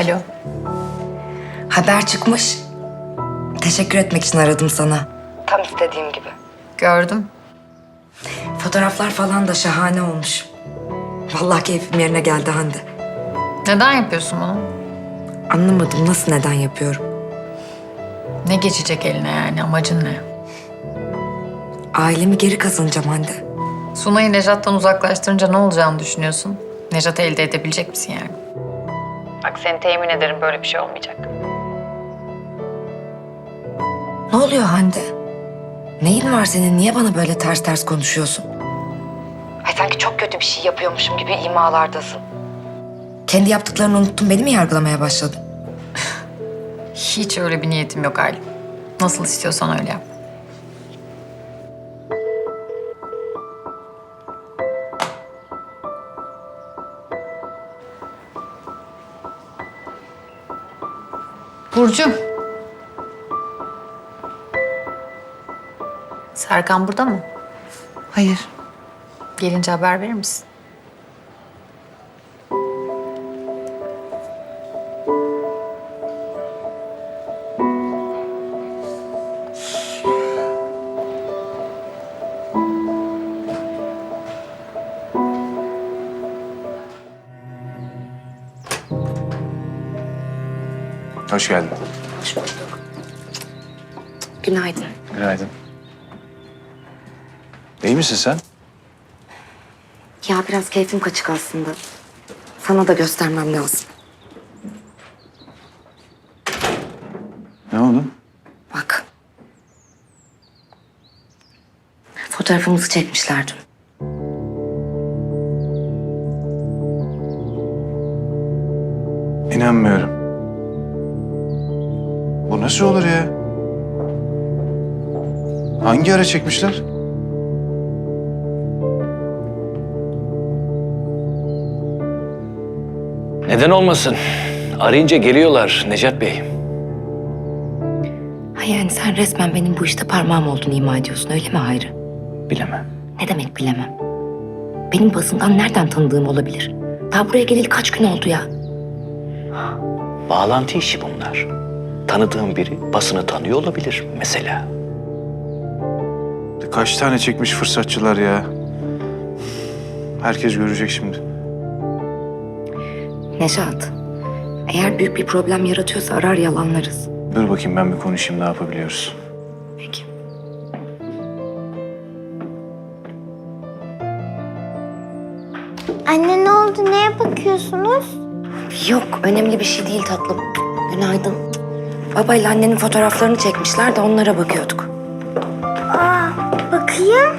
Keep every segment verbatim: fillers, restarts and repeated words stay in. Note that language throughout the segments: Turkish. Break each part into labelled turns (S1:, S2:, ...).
S1: Alo.
S2: Haber çıkmış. Teşekkür etmek için aradım sana. Tam istediğim gibi.
S1: Gördüm.
S2: Fotoğraflar falan da şahane olmuş. Vallahi keyfim yerine geldi Hande.
S1: Neden yapıyorsun bunu?
S2: Anlamadım nasıl neden yapıyorum.
S1: Ne geçecek eline yani? Amacın ne?
S2: Ailemi geri kazanacağım Hande.
S1: Sunay'ı Nejat'tan uzaklaştırınca ne olacağını düşünüyorsun? Nejat'ı elde edebilecek misin yani? Bak seni temin ederim böyle bir şey olmayacak.
S2: Ne oluyor Hande? Neyin var senin? Niye bana böyle ters ters konuşuyorsun? Ay sanki çok kötü bir şey yapıyormuşum gibi imalardasın. Kendi yaptıklarını unuttun, beni mi yargılamaya başladın?
S1: Hiç öyle bir niyetim yok Aylin. Nasıl istiyorsan öyle yap. Burcu. Serkan burada mı?
S2: Hayır.
S1: Gelince haber verir misin?
S3: Hoş geldin.
S2: Hoş bulduk. Günaydın.
S3: Günaydın. İyi misin sen?
S2: Ya biraz keyfim kaçık aslında. Sana da göstermem lazım.
S3: Ne oldu?
S2: Bak. Fotoğrafımızı çekmişler dün.
S3: İnanmıyorum. Bu nasıl olur ya? Hangi ara çekmişler?
S4: Neden olmasın? Arayınca geliyorlar Necat Bey.
S2: Ha yani sen resmen benim bu işte parmağım olduğunu ima ediyorsun, öyle mi Hayri?
S4: Bilemem.
S2: Ne demek bilemem. Benim basından nereden tanıdığım olabilir? Daha buraya geleli kaç gün oldu ya?
S4: Bağlantı işi bunlar. Tanıdığım biri basını tanıyor olabilir mesela.
S3: Kaç tane çekmiş fırsatçılar ya? Herkes görecek şimdi.
S2: Nejat, eğer büyük bir problem yaratıyorsa arar yalanlarız.
S3: Dur bakayım ben bir konuşayım ne yapabiliyoruz.
S2: Peki.
S5: Anne ne oldu? Neye bakıyorsunuz?
S2: Yok, önemli bir şey değil tatlım. Günaydın. Babayla annenin fotoğraflarını çekmişler de onlara bakıyorduk.
S5: Aa, bakayım.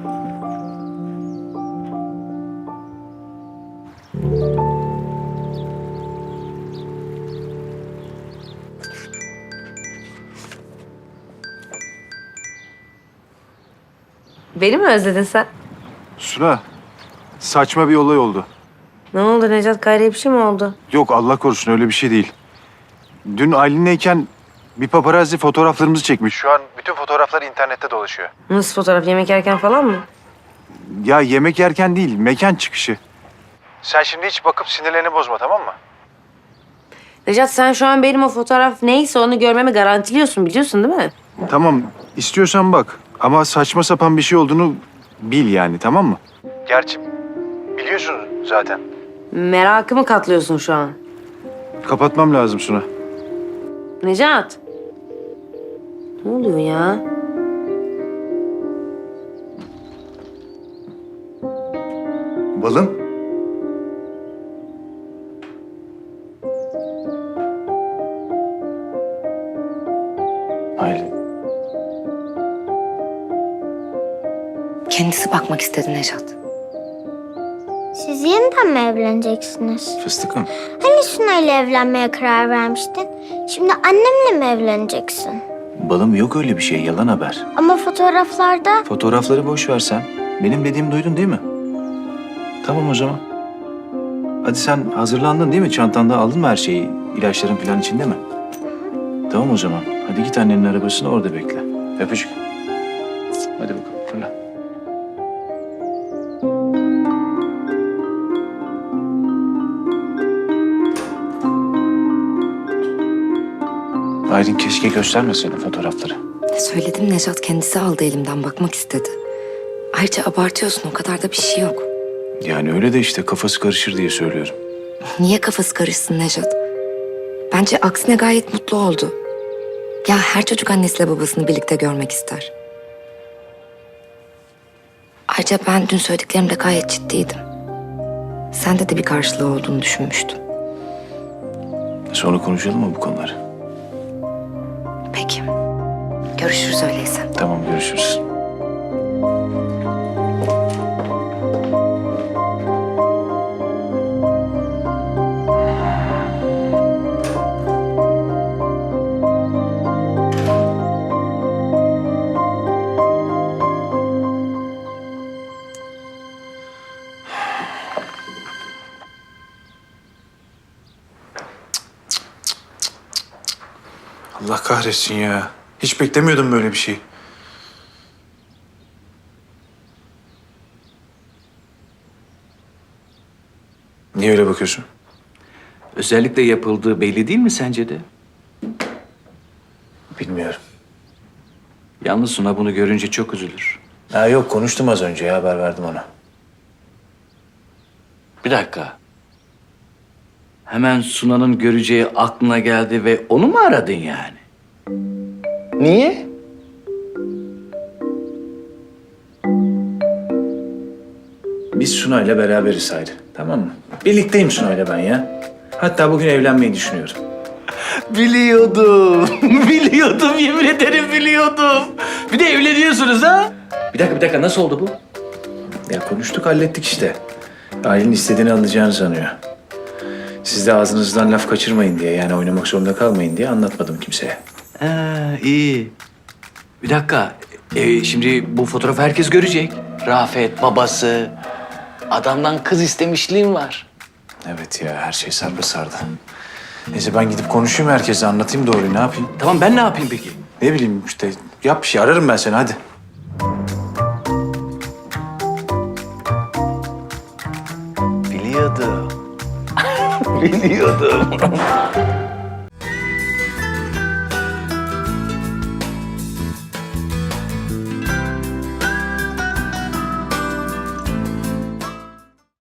S6: Beni mi özledin sen?
S3: Suna, saçma bir olay oldu.
S6: Ne oldu Necat? Gayrı bir şey mi oldu?
S3: Yok Allah korusun öyle bir şey değil. Dün Aylin'leyken bir paparazzi fotoğraflarımızı çekmiş. Şu an bütün fotoğraflar internette dolaşıyor.
S6: Nasıl fotoğraf? Yemek yerken falan mı?
S3: Ya yemek yerken değil, mekan çıkışı. Sen şimdi hiç bakıp sinirlerini bozma tamam mı?
S6: Necat sen şu an benim o fotoğraf neyse onu görmemi garantiliyorsun biliyorsun değil mi?
S3: Tamam, istiyorsan bak. Ama saçma sapan bir şey olduğunu bil yani tamam mı? Gerçi biliyorsun zaten.
S6: Merakımı katlıyorsun şu an.
S3: Kapatmam lazım Suna.
S6: Necat. Ne oluyor ya?
S3: Balım. Aylin.
S2: Kendisi bakmak istedi Nejat.
S5: Siz yeniden mi evleneceksiniz?
S3: Fıstıkım.
S5: Hani Sunay'la evlenmeye karar vermiştin? Şimdi annemle mi evleneceksin?
S7: Balım yok öyle bir şey, yalan haber.
S5: Ama fotoğraflarda...
S7: Fotoğrafları boş ver sen. Benim dediğimi duydun değil mi? Tamam o zaman. Hadi sen hazırlandın değil mi? Çantanda aldın mı her şeyi? İlaçların falan içinde mi? Tamam o zaman. Hadi git annenin arabasına orada bekle. Öpücük. Hadi bakalım fırla. Aylin keşke göstermeseydin fotoğrafları.
S2: Söyledim, Nejat kendisi aldı elimden, bakmak istedi. Ayrıca abartıyorsun, o kadar da bir şey yok.
S7: Yani öyle de işte kafası karışır diye söylüyorum.
S2: Niye kafası karışsın Nejat? Bence aksine gayet mutlu oldu. Ya her çocuk annesiyle babasını birlikte görmek ister. Ayrıca ben dün söylediklerimde gayet ciddiydim. Sende de bir karşılığı olduğunu düşünmüştüm.
S7: Sonra konuşalım mı bu konuları?
S2: Peki. Görüşürüz öyleyse.
S7: Tamam, görüşürüz.
S3: Allah kahretsin ya. Hiç beklemiyordum böyle bir şey. Niye öyle bakıyorsun?
S4: Özellikle yapıldığı belli değil mi sence de?
S7: Bilmiyorum.
S4: Yalnız Suna bunu görünce çok üzülür.
S7: Ha yok, konuştum az önce ya, haber verdim ona.
S4: Bir dakika. Hemen Suna'nın göreceği aklına geldi ve onu mu aradın yani? Niye?
S7: Biz Sunay'la beraberiz Hayri, tamam mı? Birlikteyim Sunay'la ben ya. Hatta bugün evlenmeyi düşünüyorum.
S4: Biliyordum. Biliyordum, yemin ederim biliyordum. Bir de evleniyorsunuz ha? Bir dakika, bir dakika. Nasıl oldu bu?
S7: Ya konuştuk, hallettik işte. Aylin istediğini alacağını sanıyor. Siz de ağzınızdan laf kaçırmayın diye, yani oynamak zorunda kalmayın diye anlatmadım kimseye.
S4: Ha, iyi. Bir dakika. Ee, şimdi bu fotoğrafı herkes görecek. Rafet, babası. Adamdan kız istemişliğim var.
S7: Evet ya, her şey sarpa sardı. Neyse ben gidip konuşayım herkese, anlatayım doğruyu, ne yapayım?
S4: Tamam, ben ne yapayım peki?
S7: Ne bileyim işte, yap bir şey, ararım ben seni, hadi.
S4: Biliyordum. Biliyordum.